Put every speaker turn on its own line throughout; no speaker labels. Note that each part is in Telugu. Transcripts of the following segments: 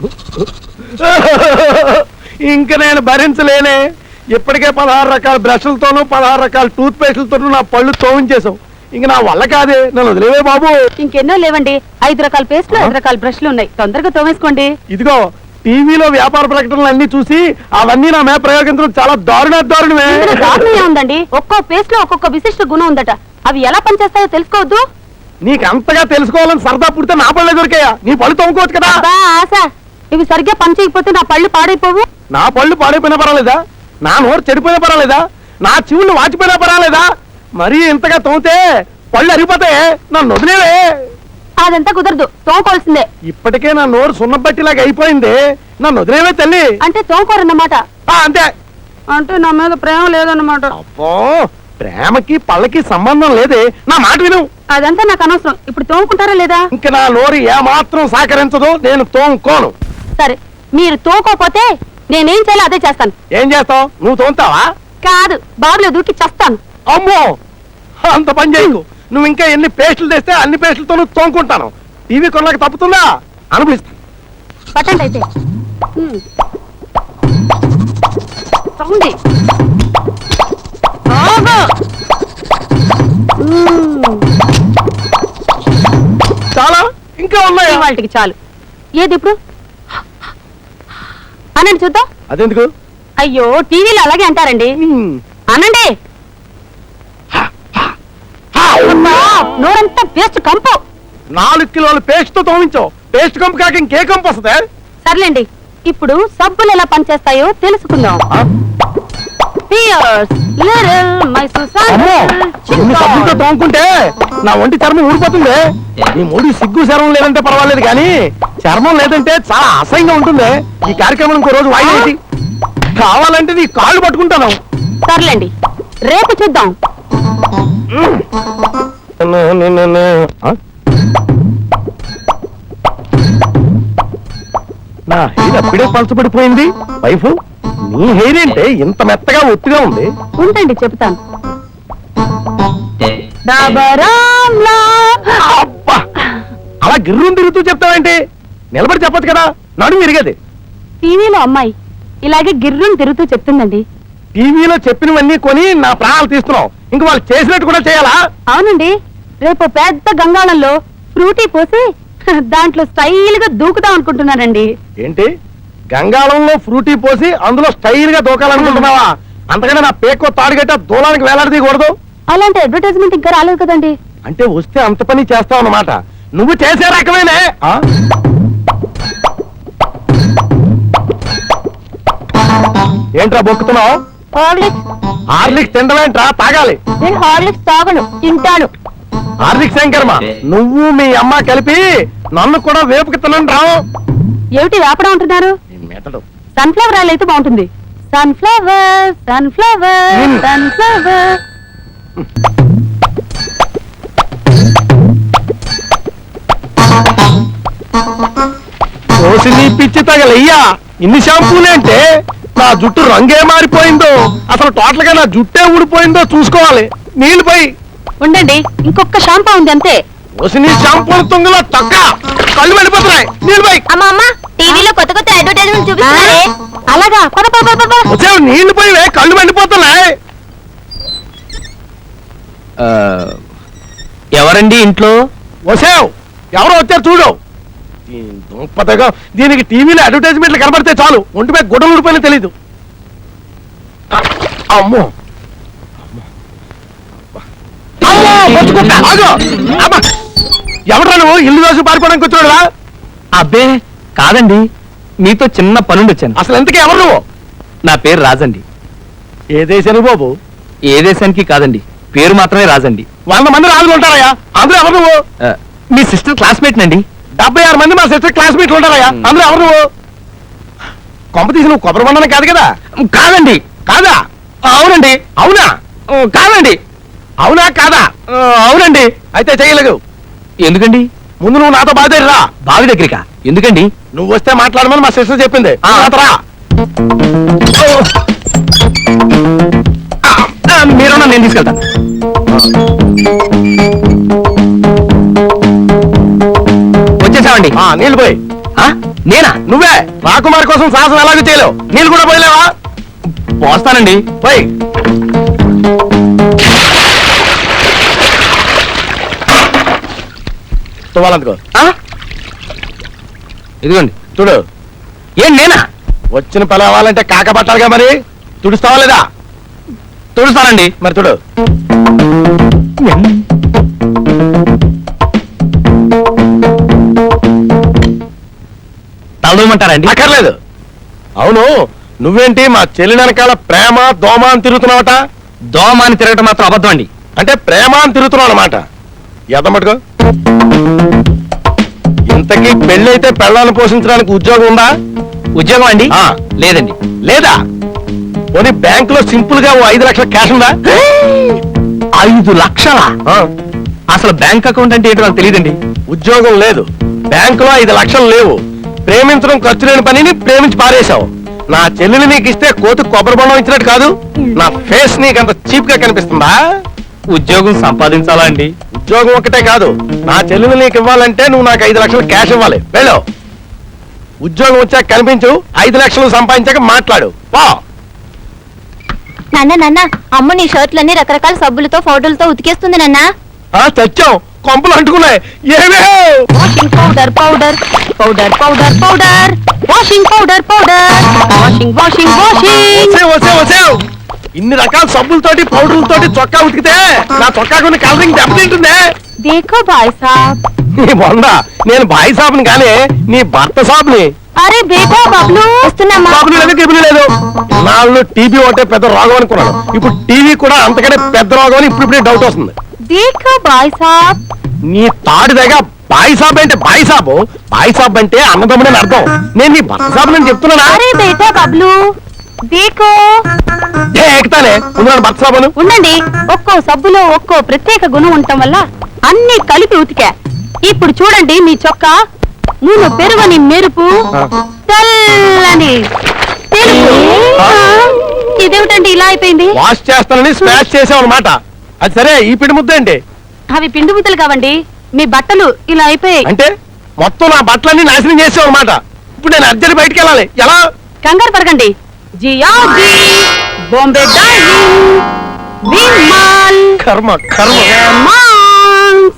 ఇంక నేను భరించలేనే. ఇప్పటికే 16 రకాల బ్రష్లతోనూ 16 రకాల టూత్ పేస్టులతోనూ నా పళ్ళు తోమించేశావు. ఇంక నా వల్ల కాదే, నన్ను వదిలేవే బాబు.
ఇంకెన్నో లేవండి, 5 రకాల పేస్ట్లు 5 రకాల బ్రష్లు ఉన్నాయి, తొందరగా తోమేసుకోండి.
ఇదిగో టీవీలో వ్యాపార ప్రకటనలు అన్ని చూసి అవన్నీ నా మీద ప్రయోగించడం చాలా దారుణమే.
దారుణమే ఉందండి. ఒక్కో పేస్ట్ లో ఒక్కొక్క విశిష్ట గుణం ఉందట. అవి ఎలా పనిచేస్తాయో తెలుసుకోవద్దు.
నీకు అంతగా తెలుసుకోవాలని సరదా పుడితే నా పళ్ళే దొరికాయా? నీ పళ్ళు తోముకోవచ్చు కదా.
ఆశ, ఇవి సరిగ్గా పని చేయకపోతే నా పళ్ళు పాడైపోవు.
నా పళ్ళు పాడైపోయినా పర్వాలేదా? నా నోరు చెడిపోయినా పర్వాలేదా? నా చెవులు వాచిపోయినా పర్వాలేదా? మరీ ఇంతగా తోమితే పళ్ళు అరిగిపోతాయి. నన్ను వదిలేవే.
అదంతా కుదరదు, తోముకోవాల్సిందే.
ఇప్పటికే నా నోరు సున్నబట్టిలాగా అయిపోయింది. నన్ను వదిలేవే తల్లి.
అంటే తోముకోరన్నమాట.
అంతే.
అంటే నా మీద ప్రేమ లేదన్నమాట.
అబ్బో, ప్రేమకి పళ్ళకి సంబంధం లేదే. నా మాట విను.
అదంతా నాకు అనవసరం. ఇప్పుడు తోముకుంటారా లేదా?
ఇంక నా నోరు ఏమాత్రం సహకరించదు. నేను తోముకోను.
సరే, మీరు తోముకోపోతే నేనేం చేయాలో అదే చేస్తాను.
ఏం చేస్తావు? నువ్వు తోముతావా?
కాదు, బాబులో దూకి చేస్తాను.
అమ్మో, అంత పని చేయకు. నువ్వు ఇంకా ఎన్ని పేస్టులు తెస్తే అన్ని పేస్టులతో నువ్వు తోముకుంటాను. టీవీ కొనలకు తప్పుతుందా? అనుభవిస్తాను.
పట్టండి అయితే. తోండి.
చాలా ఇంకా ఉన్నాయి.
వాటికి చాలు. ఏది ఇప్పుడు అనండి చూద్దాం.
అదెందుకు?
అయ్యో, టీవీలో అలాగే అంటారండి. అనండి. నోరంతా పేస్ట్ కంపు.
4 కిలోల పేస్ట్ తో తోమించావు. పేస్ట్ కంపు కాక ఇంకే కంపు వస్తుంది?
సర్లేండి, ఇప్పుడు సబ్బులు ఎలా పనిచేస్తాయో తెలుసుకుందాం.
సబ్బులతో తోముకుంటే నా ఒంటి చర్మం ఊడిపోతుంది. నీ మూడు సిగ్గు చర్మం లేదంటే పర్వాలేదు, కానీ చర్మం లేదంటే చాలా అసహ్యంగా ఉంటుంది. ఈ కార్యక్రమం ఇంకో రోజు వాయిదా. కావాలంటే నీ కాళ్ళు పట్టుకుంటాను.
సర్లేండి, రేపు చూద్దాం.
నా హెయిర్ అప్పుడే పలచబడిపోయింది. వైఫ్, నీ హెయిర్ ఏంటే ఇంత మెత్తగా ఒత్తిగా ఉంది?
ఉండండి, చెప్తాను.
అబ్బా, అలా గిర్రం తిరుగుతూ చెప్తావేంటి? నిలబడి చెప్పొచ్చు కదా, నడుము విరిగేది.
టీవీలో అమ్మాయి ఇలాగే గిర్రం తిరుగుతూ చెప్తుందండి.
టీవీలో చెప్పినవన్నీ కొని నా ప్రాణాలు తీస్తున్నావు. ఇంక వాళ్ళు చేసినట్టు కూడా చేయాలా?
అవునండి, రేపు పెద్ద గంగాళంలో ఫ్రూటీ పోసి దాంట్లో స్టైల్ గా దూకుదాం అనుకుంటున్నానండి.
ఏంటి, గంగాళంలో ఫ్రూటీ పోసి అందులో స్టైల్ గా దూకాలనుకుంటున్నావా? అంతకన్నా నా పేకో తాడుగట్ట దూలానికి వేలాడదీయకూడదు.
అలాంటి అడ్వర్టైజ్మెంట్ ఇంకా రాలేదు కదండి.
అంటే వస్తే అంత పని చేస్తావు అన్నమాట. నువ్వు చేసే రకమేనే. ఏంట్రా బొక్కుతున్నావు? హార్లిక్స్ తింటమేంట్రా? తాగాలి.
నేను హార్లిక్స్ తాగను, తింటాను.
హార్లిక్స్ శంకర్మ, నువ్వు మీ అమ్మ కలిపి నన్ను కూడా వేపుకి తినండి రావు.
ఏమిటి వేపడం అంటున్నారు? సన్ఫ్లవర్ ఆయిల్ అయితే బాగుంటుంది. Sunflower sunflower sunflower.
నీ పిచ్చి తగలయ్యా, ఇన్ని షాంపూలేంటే? నా జుట్టు రంగే మారిపోయిందో, అసలు టోటల్ గా నా జుట్టే ఊడిపోయిందో చూసుకోవాలి. నీళ్లు పోయి.
ఉండండి, ఇంకొక షాంపూ ఉంది అంతే.
నీ షాంపూ తుంగలో తొక్క కళ్ళు వెళ్ళిపోతున్నాయి. నీళ్లు పోయి.
అమ్మా, టీవీలో కొత్త కొత్త అడ్వర్టైజ్మెంట్ చూపిస్తున్నారే. అలాగా?
వచ్చావు, నీళ్లు పోయి, కళ్ళు వెళ్ళిపోతున్నాయి.
ఎవరండి ఇంట్లో?
వచ్చావు, ఎవరో వచ్చారు చూడు. దుంపదగా దీనికి టీవీలో అడ్వర్టైజ్మెంట్లు కనబడితే చాలు ఒంటిపై గుడ్డలు ఊడిపోయినా తెలీదు. అమ్మో, ఎవడ్రా నువ్వు? ఇల్లు దోసి పారిపోవడానికి వచ్చాడురా?
అబ్బే కాదండి, మీతో చిన్న పనుండి వచ్చాను.
అసలు ఎంతకీ ఎవరు నువ్వు?
నా పేరు రాజండి.
ఏ దేశానికి బాబు?
ఏ దేశానికి కాదండి, పేరు మాత్రమే రాజండి.
100 మంది రాజులు ఉంటారయ్యా, అందులో ఎవరు నువ్వు?
మీ సిస్టర్ క్లాస్మేట్ నండి.
76 మంది మా సిస్టర్ క్లాస్మేట్లు ఉంటారయ్యా, అందులో ఎవరు నువ్వు? కొంప తీసి నువ్వు కొబ్బరి బండన కాదు కదా?
కాదండి.
కాదా?
అవునండి.
అవునా?
కాదండి.
అవునా కాదా?
అవునండి.
అయితే చేయలేదు.
ఎందుకండి?
ముందు నువ్వు నాతో బాధ రా.
బావి దగ్గరికా? ఎందుకండి?
నువ్వు వస్తే మాట్లాడమని మా సిస్టర్ చెప్పింది.
మీరున్నా, నేను తీసుకెళ్తాను. వచ్చేసామండి.
నీళ్ళు పోయి.
ఆ? నేనా?
నువ్వే రాకుమారి కోసం సాహసం ఎలాగో చేయలేవు. నీళ్ళు కూడా పోయలేవా?
పోస్తానండి.
పోయి. తువ్వాలందుకో.
ఆ? ఇదిగోండి.
చూడు,
ఏం నేనా?
వచ్చిన పని అవ్వాలంటే కాకపట్టాలిగా, మరి తుడుస్తావా లేదా?
తుడుస్తానండి.
మరి చూడు.
తలదూమంటారండి?
అక్కర్లేదు. అవును, నువ్వేంటి మా చెల్లి వెనకాల ప్రేమ దోమ అని తిరుగుతున్నావట?
దోమాని తిరగటం మాత్రం అబద్ధం అండి.
అంటే ప్రేమ అని తిరుగుతున్నావు అన్నమాట. ఎదమటుకో. ఇంతకీ పెళ్ళైతే పెళ్ళాలను పోషించడానికి ఉద్యోగం ఉందా?
ఉద్యోగం అండి?
ఆ.
లేదండి.
లేదా? పోనీ బ్యాంక్ లో సింపుల్ గా ఓ 5 లక్షల క్యాష్ ఉందా?
5 లక్షలా?
ఆ.
అసలు బ్యాంక్ అకౌంట్ అంటే ఏంటో నాకు తెలియదండి.
ఉద్యోగం లేదు, బ్యాంకులో 5 లక్షలు లేవు, ప్రేమించడం ఖర్చు లేని పనిని ప్రేమించి పారేశావు. నా చెల్లెలు నీకు ఇస్తే కోతి కొబ్బరి బొండం ఇచ్చినట్టు కాదు. నా ఫేస్ నీకు అంత చీప్ గా కనిపిస్తుందా?
ఉద్యోగం సంపాదించాలా అండి?
ఉద్యోగం ఒకటే కాదు, నా చెల్లెలు నీకు ఇవ్వాలంటే నువ్వు నాకు 5 లక్షలు క్యాష్ ఇవ్వాలి. వెళ్ళు. ఉద్యోగం వచ్చాక కనిపించు, 5 లక్షలు సంపాదించాక మాట్లాడు. పో.
నాన్న నాన్న, అమ్మ నీ షర్ట్లన్నీ రకరకాల సబ్బులతో ఫోటోలతో ఉతికేస్తుంది నాన్న.
చచ్చాం, కొంపలు అంటుకున్నాయి. ఏమే?
Washing powder powder powder powder powder washing powder powder washing washing washing.
వసేవ్. ఇన్ని రకాల సబ్బులతోటి పౌడర్లతోటి చొక్కా ఉతికితే నా చొక్కా కొన్ని కలరింగ్ దెబ్బతింటుందే.
దేఖో భాయ్ సాబ్.
నీ బొంద, నేను బాయి సాబుని కానీ నీ భర్త సాబుని.
అరే బేటా బబ్లు వస్తున్నామా?
సాబుని లేదు, గిబులు లేదు. నాళ్ళు టీబీ ఒకటే పెద్ద రోగం అనుకున్నాను. ఇప్పుడు టీవీ కూడా అంతకంటే పెద్ద రోగం అని ఇప్పుడిప్పుడే డౌట్ వస్తుంది.
దేఖో భాయ్ సాబ్.
నీ తాడు దగ్గర బాయి సాబ్ అంటే బాయి సాబు, బాయి సాబ్ అంటే అన్నదమ్ముడని అర్థం. నేను నీ భర్త సాబు అని చెప్తున్నానా?
అరే బేటా బబ్లు దేఖో.
ఎక్కుతానే ఉన్నాను భర్త సాబును.
ఉండండి, ఒక్కో సబ్బులో ఒక్కో ప్రత్యేక గుణం ఉండటం వల్ల అన్ని కలిపి ఉతికా. ఇప్పుడు చూడండి మీ చొక్కా, నూనె పెరుగని మెరుపు, తెల్లని తెలుపు. ఇదేమిటండి ఇలా అయిపోయింది?
వాష్ చేస్తానని స్మాష్ చేసావు అనమాట. అది సరే, ఈ పిండి ముద్ద ఏంటి?
అవి పిండి ముద్దలు కావండి, మీ బట్టలు ఇలా అయిపోయాయి.
అంటే మొత్తం నా బట్టలన్నీ నాశనం చేసావు అనమాట. ఇప్పుడు నేను అర్జెంట్ బయటికి వెళ్ళాలి. ఎలా?
కంగారు పడకండి. జియాజీ, బాంబే డార్లింగ్, విమాల్,
కర్మ కర్మ.
మాన్స్.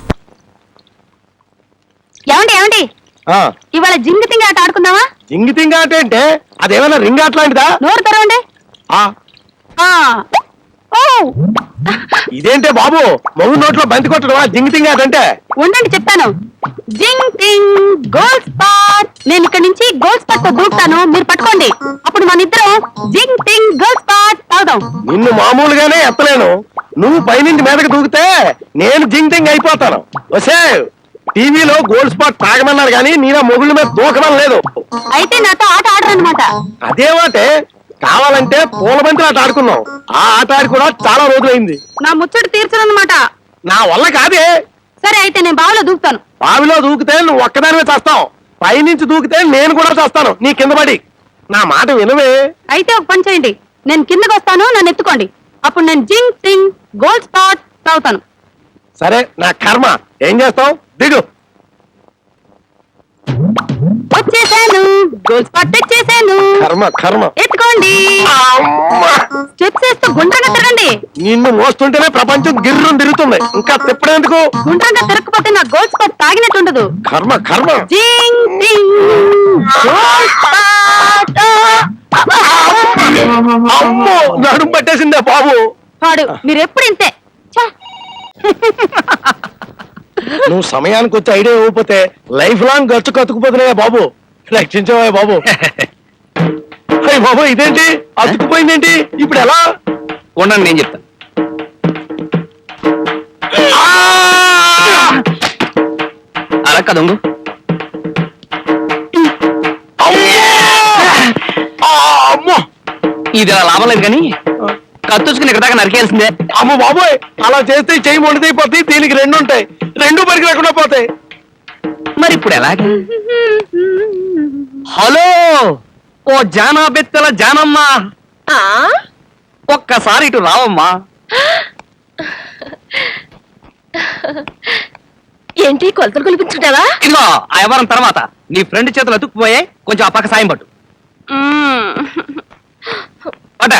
ఏమండి
ఆ,
ఇవాళ జింగి తింగి ఆట ఆడుకుందామా?
జింగి తింగ అంటే అదేమైనా రింగ్ అట్లాంటిదా?
నోరు తెరవండి.
ఆ,
ఆ. ఓ
ఇదేంటే బాబు, మొగు నోట్లో బంతి కొట్టడం జింగి తింగ అంటే?
ఉండండి చెప్తాను. జింగ్ టింగ్ గోల్ స్పాట్. నేను ఇక్కడ నుంచి గోల్ స్పాట్ తో దూకుతాను, మీరు పట్టుకోండి. అప్పుడు మన ఇద్దరం జింగ్ టింగ్ గోల్ స్పాట్ తాగుదాం.
నిన్ను మామూలుగానే ఎత్తలేను, నువ్వు పైనుంచి మీదకి దూకితే నేను జింగ్ తింగ్ అయిపోతాను. వసే, టీవీలో గోల్డ్ స్పాట్ తాగమన్నారు కానీ నీలా మొగుళ్ళ మీద దూకడం లేదు.
అయితే నాతో ఆట ఆడరన్నమాట.
అదేమంటే, కావాలంటే పూల బంతి ఆట ఆడుకున్నాం. ఆ ఆట ఆడి కూడా చాలా రోజులైంది.
నా ముచ్చట తీర్చరన్నమాట.
నా వల్ల కాదే.
సరే అయితే నేను బావిలో దూకుతాను.
బావిలో దూకితే నువ్వు ఒక్కదానివే చేస్తావు, పైనుంచి దూకితే నేను కూడా చేస్తాను నీ కింద పడి. నా మాట వినవే.
అయితే ఒక పని చేయండి, నేను కిందకు వస్తాను, నన్ను ఎత్తుకోండి. అప్పుడు నేను జింగ్ టింగ్ గోల్ స్పాట్ తాగుతాను.
సరే, నా కర్మ. ఏం చేస్తావు? దిగు.
వచ్చేసాను, గోల్ స్పాట్ తెచ్చేసాను.
కర్మ కర్మ.
ఎత్తుకోండి.
అమ్మా!
స్టెప్స్ వేస్తూ గుండ్రంగా తిరగండి.
నిన్ను మోస్తుంటేనే ప్రపంచం గిర్రం తిరుగుతుంది, ఇంకా తిప్పడేందుకు?
గుండ్రంగా తిరగకపోతే నా గోల్ స్పాట్ తాగినట్టు ఉండదు.
కర్మ కర్మ.
జింగ్ టింగ్ గోల్ స్పాట్.
అమ్మో, నడుము పట్టేసిందే బాబు.
వాడు మీరు ఎప్పుడు ఇంతే. ఛ!
నువ్వు సమయానికి వచ్చి ఐడియా ఇవ్వకపోతే లైఫ్ లాంగ్ ఖర్చు కతుకుపోతున్నాయా బాబు. రక్షించవా బాబు. అయ్య బాబు, ఇదేంటి అతుకుపోయిందేంటి? ఇప్పుడు ఎలా?
ఉండండి, నేను చెప్తాను. అలా కదంగు.
అమ్మో
ఇది అలా లాభం లేదు కానీ కత్తుచుకుని ఇక్కడ దాకా నరికేయాల్సిందే.
అమ్మ బాబోయ్, అలా చేస్తే చెయ్యి మొండిదైపోతాయి. దీనికి 2 ఉంటాయి, 2 పరికి లేకుండా పోతాయి.
మరి ఇప్పుడు ఎలాగా? హలో, ఓ జానా బెత్తల జానమ్మా, ఒక్కసారి ఇటు రావమ్మా.
ఏంటి కొలతలు కొలిపించుకుంటావా?
ఇదిగో ఆ వ్యవహారం తర్వాత నీ ఫ్రెండ్ చేతులు అతుక్కుపోయే కొంచెం ఆ పక్క సాయం పట్టు పట్ట.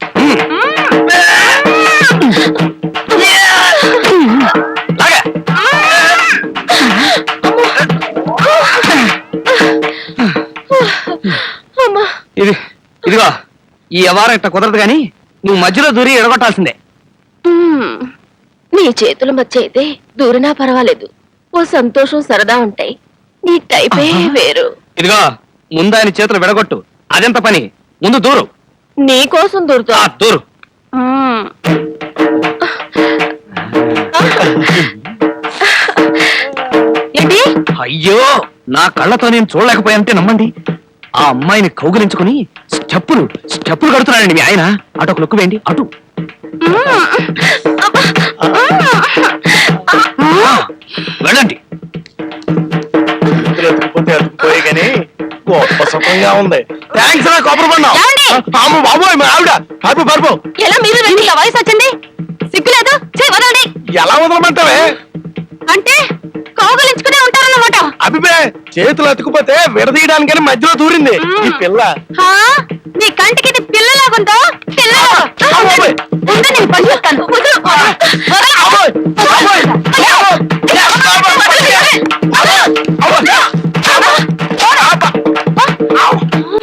లాగా. ఇదిగో ఈ వ్యవహారం ఇట్లా కుదరదు కానీ నువ్వు మధ్యలో దూరి ఎడగొట్టాల్సిందే.
నీ చేతుల మధ్య అయితే దూరినా పర్వాలేదు, ఓ సంతోషం సరదా ఉంటాయి. నీ టైపే వేరు.
ఇదిగో ముందు ఆయన చేతులు విడగొట్టు, అదెంత పని. ముందు దూరు.
నీ కోసం దూరుతా.
దూరు.
ఏంటి?
అయ్యో నా కళ్ళతో నేను చూడలేకపోయానంటే నమ్మండి. ఆ అమ్మాయిని కౌగిలించుకుని స్టెప్పులు కడుతున్నాడండి మీ ఆయన. అటు ఒక లుక్కు వేయండి. అటు వెళ్ళండి.
అతుకుపోయి కానీ గొప్ప సుఖంగా ఉంది. థ్యాంక్స్ రా కొబ్బరి బండం. బాబోయ్ మా ఆవిడ పరుపు పరుపు.
ఎలా మీరు రండి, ఇలా వయసు వచ్చింది, సిగ్గులేదు. వదలండి.
ఎలా వదలమంటావే?
అంటే కౌగులించుకునే ఉంటారన్నమాట.
అభిపే చేతులు అతుకుపోతే విడదీయడానికని మధ్యలో దూరింది ఈ పిల్ల.
నీ కంటికి ఇది పిల్లలాగుందో?
బాబోయ్.
ఉందని నేను పని చేస్తాను.